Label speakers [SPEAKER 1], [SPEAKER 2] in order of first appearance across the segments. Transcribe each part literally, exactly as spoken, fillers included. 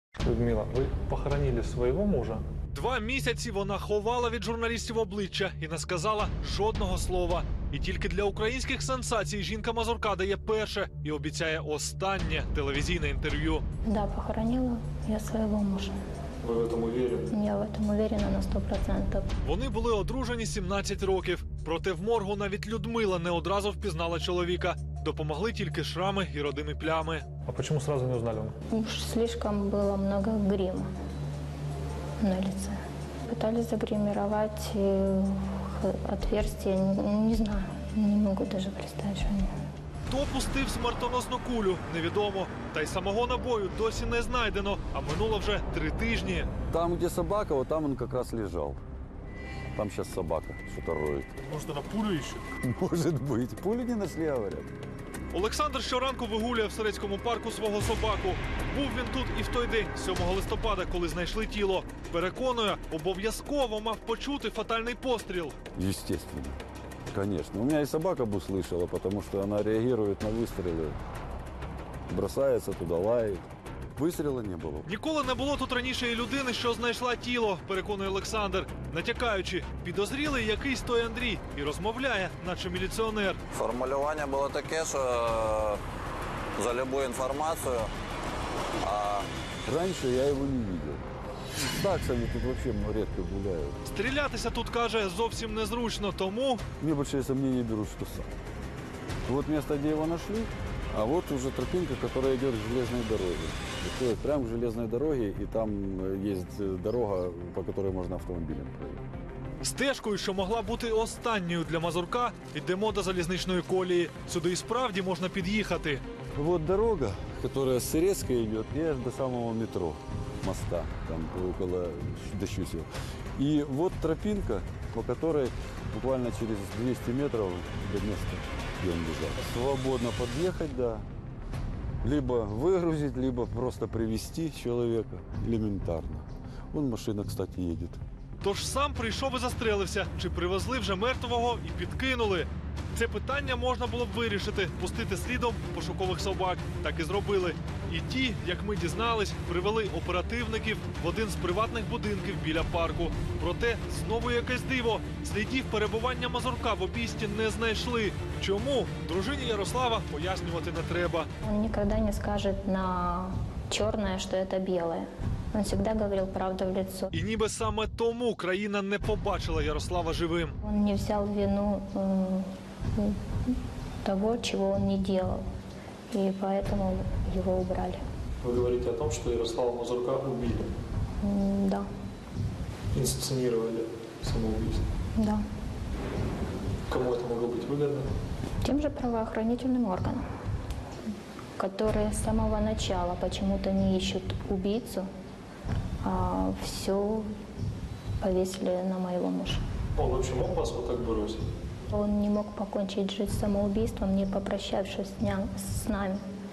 [SPEAKER 1] Людмила, ви похоронили свого мужа?
[SPEAKER 2] Два місяці вона ховала від журналістів обличчя і не сказала жодного слова. І тільки для українських сенсацій жінка Мазурка дає перше і обіцяє останнє телевізійне інтерв'ю.
[SPEAKER 3] Да, похоронила я своего мужа.
[SPEAKER 1] Ви в цьому уверені?
[SPEAKER 3] Я в этом уверена на сто процентов.
[SPEAKER 2] Вони були одружені сімнадцять років. Проте в моргу навіть Людмила не одразу впізнала чоловіка. Допомогли тільки шрами і родимі плями.
[SPEAKER 1] А чому сразу не узнали?
[SPEAKER 3] Уж слишком было много грима на лице. Пытались загримировать э, отверстие, не, не знаю, не могу даже представить, что они...
[SPEAKER 2] Хто пустив смертоносну кулю, невідомо. Та й самого набою досі не знайдено, а минуло вже три тижні.
[SPEAKER 4] Там, где собака, вот там он как раз лежал. Там сейчас собака что-то роет.
[SPEAKER 2] Може, на пулю іще?
[SPEAKER 4] Может быть. Пули не нашли, говорят.
[SPEAKER 2] Олександр щоранку вигулює в Сирецькому парку свого собаку. Був він тут і в той день, сьомого листопада, коли знайшли тіло. Переконує, обов'язково мав почути фатальний постріл.
[SPEAKER 4] Естественно. Конечно. У меня и собака бы услышала, потому что она реагирует на выстрелы. Бросается туда, лает. Выстрела не было.
[SPEAKER 2] Ніколи не було тут раніше і людини, що знайшла тіло, переконує Олександр. Натякаючи, підозрілий якийсь той Андрій і розмовляє, наче міліціонер.
[SPEAKER 5] Формулювання було таке, що за любую інформацію. А
[SPEAKER 4] Раньше я его не видел. С таксами тут вообще редко гуляют.
[SPEAKER 2] Стрілятися тут, каже, зовсім незручно, тому...
[SPEAKER 4] Мне большие сомнения берут, что сам. Вот место, где его нашли, а вот уже тропинка, которая идет к железной дороге. Приходит прямо к железной дороге, и там есть дорога, по которой можно автомобилем проехать.
[SPEAKER 2] Стежкою, що могла бути останньою для Мазурка, йдемо до залізничної колії. Сюди і справді можна під'їхати.
[SPEAKER 4] Вот дорога, которая с Сырецкой идет, и аж до самого метро, моста, там около Дощусева. И вот тропинка, по которой буквально через двести метров до места, где он лежал. Свободно подъехать, да. Либо выгрузить, либо просто привезти человека элементарно. Вон машина, кстати, едет.
[SPEAKER 2] Тож сам прийшов і застрелився. Чи привезли вже мертвого і підкинули? Це питання можна було б вирішити, пустити слідом пошукових собак. Так і зробили. І ті, як ми дізнались, привели оперативників в один з приватних будинків біля парку. Проте знову якесь диво. Слідів перебування Мазурка в обійсті не знайшли. Чому? Дружині Ярослава пояснювати не треба.
[SPEAKER 3] Он никогда не скажет на черное, что это белое. Он всегда говорил правду в лицо.
[SPEAKER 2] І ніби саме тому країна не побачила Ярослава живим.
[SPEAKER 3] Он не взял вину э, того, чего он не делал. И поэтому его убрали.
[SPEAKER 1] Вы говорите о том, что Ярослава Мазурка убили,
[SPEAKER 3] М, Да,
[SPEAKER 1] инсценировали самоубийство.
[SPEAKER 3] да.
[SPEAKER 1] Кому это могло быть выгодно?
[SPEAKER 3] Тем же правоохранительным органам, которые с самого начала почему-то не ищут убийцу, а все повесили на моего мужа.
[SPEAKER 1] Он вообще мог вас вот так бросить?
[SPEAKER 3] Он не мог покончить жизнь самоубийством, не попрощавшись с ня- с нами.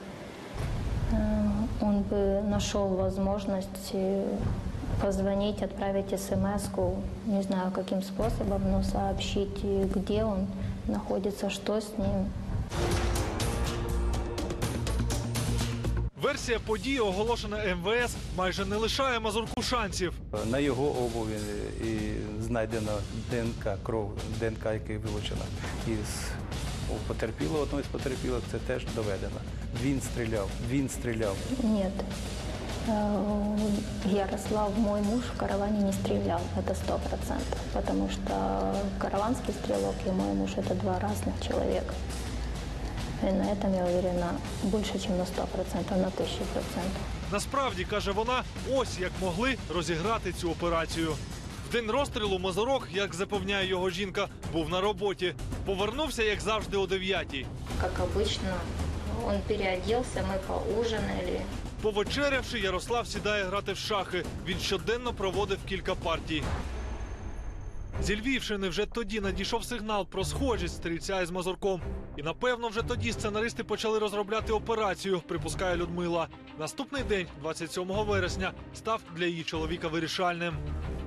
[SPEAKER 3] Э, Он бы нашел возможность э, позвонить, отправить смс-ку, не знаю каким способом, но сообщить, э, где он находится, что с ним.
[SPEAKER 2] Версія події, оголошена ем ве ес, майже не лишає Мазурку шансів.
[SPEAKER 6] На його обуві і знайдено ДНК, кров, ДНК, яка вилучена із у потерпілого, одного із потерпілих, це теж доведено. Він стріляв, він стріляв.
[SPEAKER 3] Нет, Э, Ярослав, мой муж, в караване не стрелял, это сто процентов, потому что караванский стрелок и мой муж – это два разных человека. И на этом я уверена больше, чем на сто процентов, на тысячу процентов.
[SPEAKER 2] Насправді, каже вона, ось як могли розіграти цю операцію. В день розстрілу Мазурок, як запевняє його жінка, був на роботі. Повернувся, як завжди, о дев'ятій.
[SPEAKER 3] Как обычно, он переоделся, мы поужинали.
[SPEAKER 2] Повечерявши, Ярослав сідає грати в шахи. Він щоденно проводив кілька партій. Зі Львівщини вже тоді надійшов сигнал про схожість стрільця із Мазурком. І, напевно, вже тоді сценаристи почали розробляти операцію, припускає Людмила. Наступний день, двадцять сьомого вересня, став для її чоловіка вирішальним.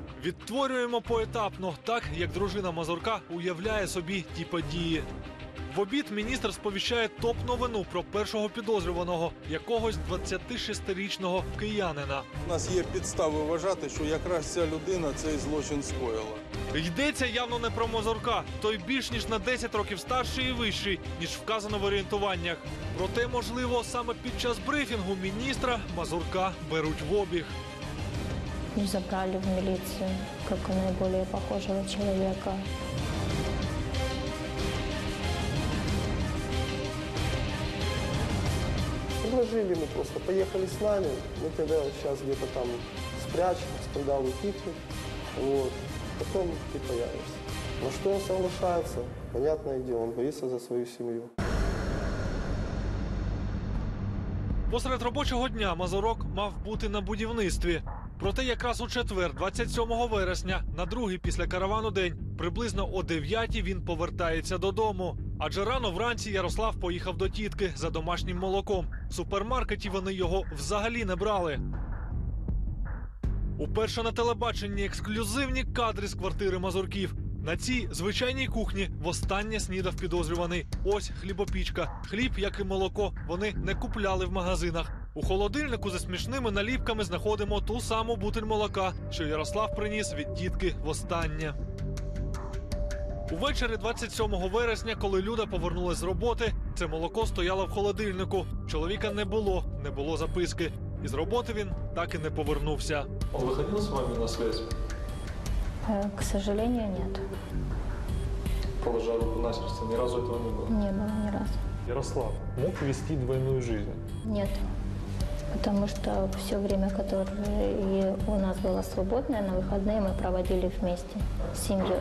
[SPEAKER 2] Відтворюємо поетапно, так, як дружина Мазурка уявляє собі ті події. В обід міністр сповіщає топ-новину про першого підозрюваного, якогось двадцятишестирічного киянина.
[SPEAKER 7] У нас є підстави вважати, що якраз ця людина цей злочин скоїла.
[SPEAKER 2] Йдеться явно не про Мазурка. Той більш ніж на десять років старший і вищий, ніж вказано в орієнтуваннях. Проте, можливо, саме під час брифінгу міністра Мазурка беруть в обіг.
[SPEAKER 3] Забрали в милицию, как наиболее похожего человека.
[SPEAKER 8] Предложили, мы просто поехали с нами, мы тогда сейчас где-то там спрячем, скандал утихнет, вот, потом ты появишься. Но что он соглашается, понятное дело, он боится за свою семью.
[SPEAKER 2] Посеред робочого дня Мазурок мав бути на будівництві. Проте якраз у четвер, двадцять сьомого вересня, на другий після каравану день, приблизно о дев'ятій він повертається додому. Адже рано вранці Ярослав поїхав до тітки за домашнім молоком. В супермаркеті вони його взагалі не брали. Уперше на телебаченні ексклюзивні кадри з квартири Мазурків. На цій звичайній кухні востаннє снідав підозрюваний. Ось хлібопічка. Хліб, як і молоко, вони не купляли в магазинах. У холодильнику за смішними наліпками знаходимо ту саму бутиль молока, що Ярослав приніс від тітки востаннє. Увечері двадцять сьомого вересня, коли Люда повернулась з роботи, це молоко стояло в холодильнику. Чоловіка не було, не було записки. І з роботи він так і не повернувся.
[SPEAKER 1] Он выходил с вами на связь?
[SPEAKER 3] Э, К сожалению, нет.
[SPEAKER 1] Положа руку на сердце, ни разу этого не было.
[SPEAKER 3] Не было ни разу.
[SPEAKER 1] Ярослав мог вести двойную жизнь?
[SPEAKER 3] Нет. Потому что все время, которое у нас было свободное, на выходные мы проводили вместе с семьей.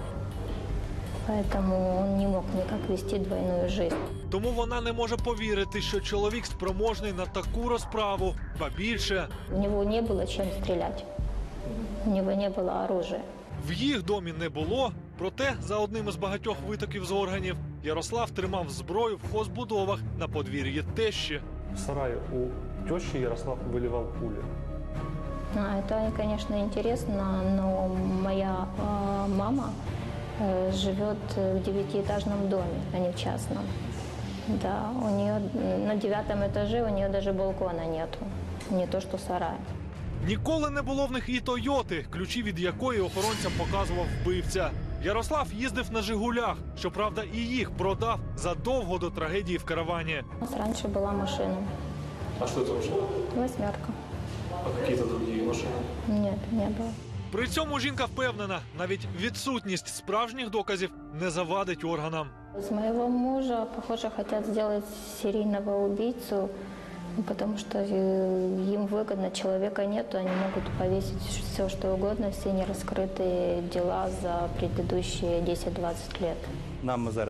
[SPEAKER 3] Поэтому он не мог никак вести двойную жизнь.
[SPEAKER 2] Тому вона не може повірити, що чоловік спроможний на таку розправу. Ба більше,
[SPEAKER 3] У него не было чем стрелять. У него не было оружия.
[SPEAKER 2] в їх домі не було, проте за одним із багатьох витоків з органів Ярослав тримав зброю в хозбудовах на подвір'ї тещі.
[SPEAKER 1] В сарае у тещи Ярослав выливал пули.
[SPEAKER 3] А, это, конечно, интересно, но моя э, мама э, живет в девятиэтажном доме, а не в частном. Да, у нее на девятом этаже у нее даже балкона нету, не то что сарай.
[SPEAKER 2] Ніколи не було в них і Тойоти, ключі від якої охоронцям показував вбивця. Ярослав їздив на «Жигулях», щоправда, і їх продав задовго до трагедії в каравані.
[SPEAKER 3] У нас раньше была машина,
[SPEAKER 1] А что это вообще?
[SPEAKER 3] восьмерка.
[SPEAKER 1] А какие-то другие машины?
[SPEAKER 3] Нет, не было.
[SPEAKER 2] При цьому жінка впевнена, навіть відсутність справжніх доказів не завадить органам.
[SPEAKER 3] Из моего мужа, похоже, хотят сделать серийного убийцу, потому что э, им выгодно, человека нету, они могут повесить все, что угодно, все нераскрытые дела за предыдущие десять-двадцать лет.
[SPEAKER 6] Нам зараз